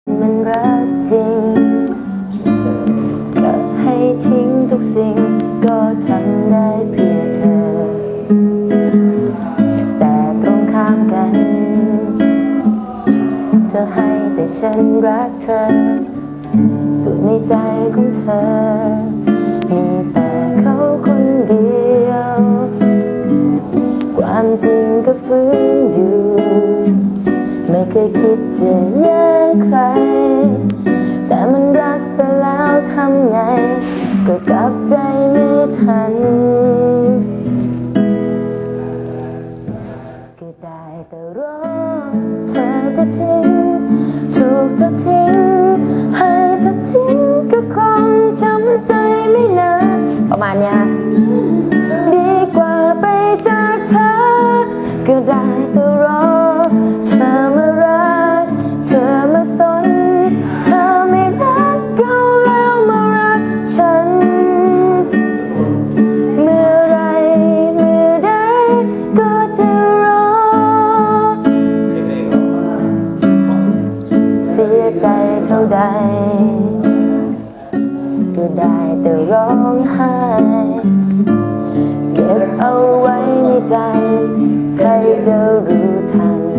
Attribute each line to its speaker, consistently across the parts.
Speaker 1: มันรักจริงก็ให้ทิ้งทุกสิ่งก็ทำได้เพื่อเธอแต่ตรงข้ามกันเธอให้แต่ฉันรักเธอส่วนในใจของเธอมีแต่เขาคนเดียวความจริงก็ฟื้นอยู่ไม่เคยคิดจะแย่งใครแต่มันรักไปแล้วทำไงก็กลับใจไม่ทันก็ได้แต่รอเธอจะทิ้งถูกเธอทิ้งให้เธอทิ้งก็คงจำใจไม่นานประมาณเนี้ยดีกว่าไปจากเธอก็ได้แต่รอเธอมารักเธอมาสนเธอไม่รักเขาแล้วมารักฉันเมื่อไรเมื่อใดก็จะรอเสียใจเท่าใดก็ได้แต่ร้องไห้เก็บเอาไว้ในใจใครจะรู้ทัน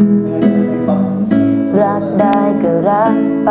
Speaker 1: รักได้ก็รักไป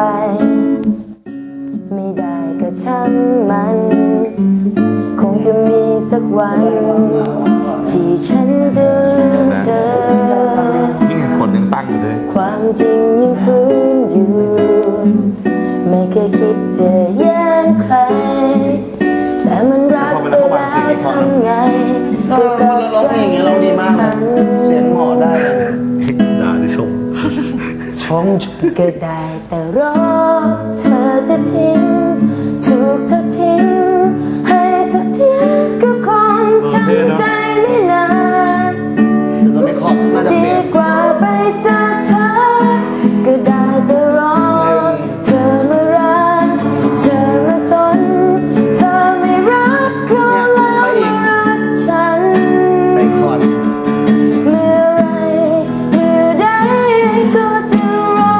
Speaker 1: ไม่ได้ก็ช่างมันคงจะมีสักวันที่ฉันจะลืมเธอ
Speaker 2: ยิ่งเห็นคนยังตั้งอยู่เลย
Speaker 1: ความจริงยังฟื้นอยู่ไม่เคยคิดจะแย่งใครแต่มันรักไปแล้วทำไง
Speaker 3: ก็ร้องเพลงอย่างเงี้ยร้องดีมากเสียงหมอได้
Speaker 2: ด่าหรือชม
Speaker 1: ก็ได้แต่รอเธอจะทิ้งถูกเธอทิ้งให้เธอทิ้งก็คงจำใจไม่นานดีกว่าไปจากเธอก็ได้แต่รอเธอมารักเธอมาสนเธอไม่รักเขาแล้วมารักฉันเมื่อไรเมื่อใดก็จะรอ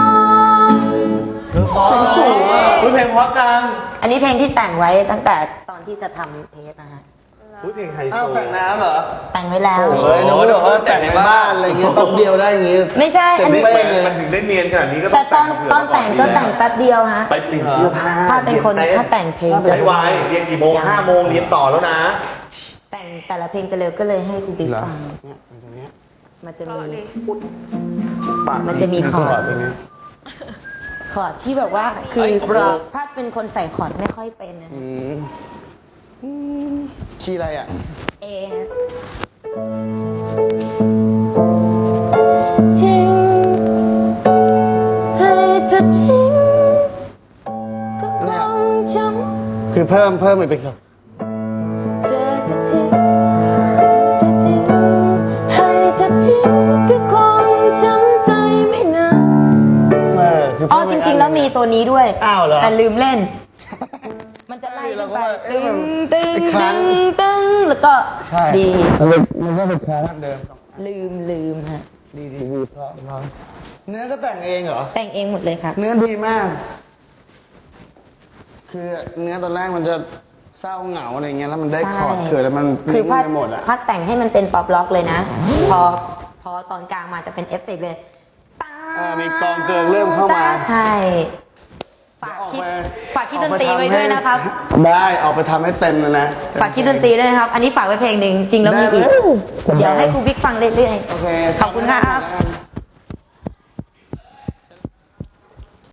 Speaker 3: สูงอ่ะเพลงเพราะจัง
Speaker 1: อันนี้เพลงที่แต่งไว้ตั้งแต่ตอนที่จะทำเทปนะฮะ
Speaker 2: เพลงไฮโซ
Speaker 3: แต่งน้ำเหรอ
Speaker 1: แต่งไว้แล้ว
Speaker 3: เฮ้ยนึกว่าแต่งในบ้านอะไรเงี้ยแป๊บเดียวได้อย่างงี้
Speaker 1: ไม่ใช่อันนี้
Speaker 2: มันถึงได้เนียนขนาดนี้ก็
Speaker 1: แต่ตอนแต่งก็แต่งแป๊บเดียวฮะ
Speaker 2: ไปเปลี่ยนเสื้อผ้า
Speaker 1: ถ้าเป็นคนถ้าแต่งเพลง
Speaker 2: จะไวเรียนกี่โมง5 โมงเรียนต่อแล้วนะ
Speaker 1: แต่งแต่ละเพลงจะเร็วก็เลยให้คุณบิ๊กฟังมันจะมีคอร์ดที่แบบว่าคือถ้าเป็นคนใส่คอร์ดไม่ค่อยเป็นนะ
Speaker 3: คีย์อะไรอ่ะ
Speaker 1: เอทิ้งให้เธอทิ้งก็คงจำ
Speaker 3: คือเพิ่มไปเป็นครับ
Speaker 1: จะทิ้งให้เธอทิ้งก็คงจำใจไม่นานอ๋อจริงๆแล้วมีตัวนี้ด้วยแต่ลืมเล่นมันจะไล่ไปตึงแล้วก็ดี
Speaker 3: มันก็เป็นคลาสเดิม
Speaker 1: ลืมฮะ
Speaker 3: ดีเพราะเนื้อก็แต่งเองเหรอ
Speaker 1: แต่งเองหมดเลยครับ
Speaker 3: เนื้อดีมากคือเนื้อตอนแรกมันจะเศร้าเหงาอะไรเงี้ยแล้วมันได้คอร์ดเกิดแล้วมัน
Speaker 1: คือพัดแต่งให้มันเป็นป๊อปล็อกเลยนะพอตอนกลางมาจะเป็นเอฟเฟกต์เลย
Speaker 3: มีกองเกิงเริ่มเข้ามา
Speaker 1: ใช่ฝากคิดดนตรีไว้ด้วยนะครับ
Speaker 3: ได้ออกไปทำให้เต็มเลยนะ
Speaker 1: ฝากคิดดนตรีด้วยนะครับอันนี้ฝากไว้เพลงหนึ่งจริงแล้วมีอีกเดี๋ยวให้ครูบิ๊กฟังเรื่อยๆขอบคุณครับ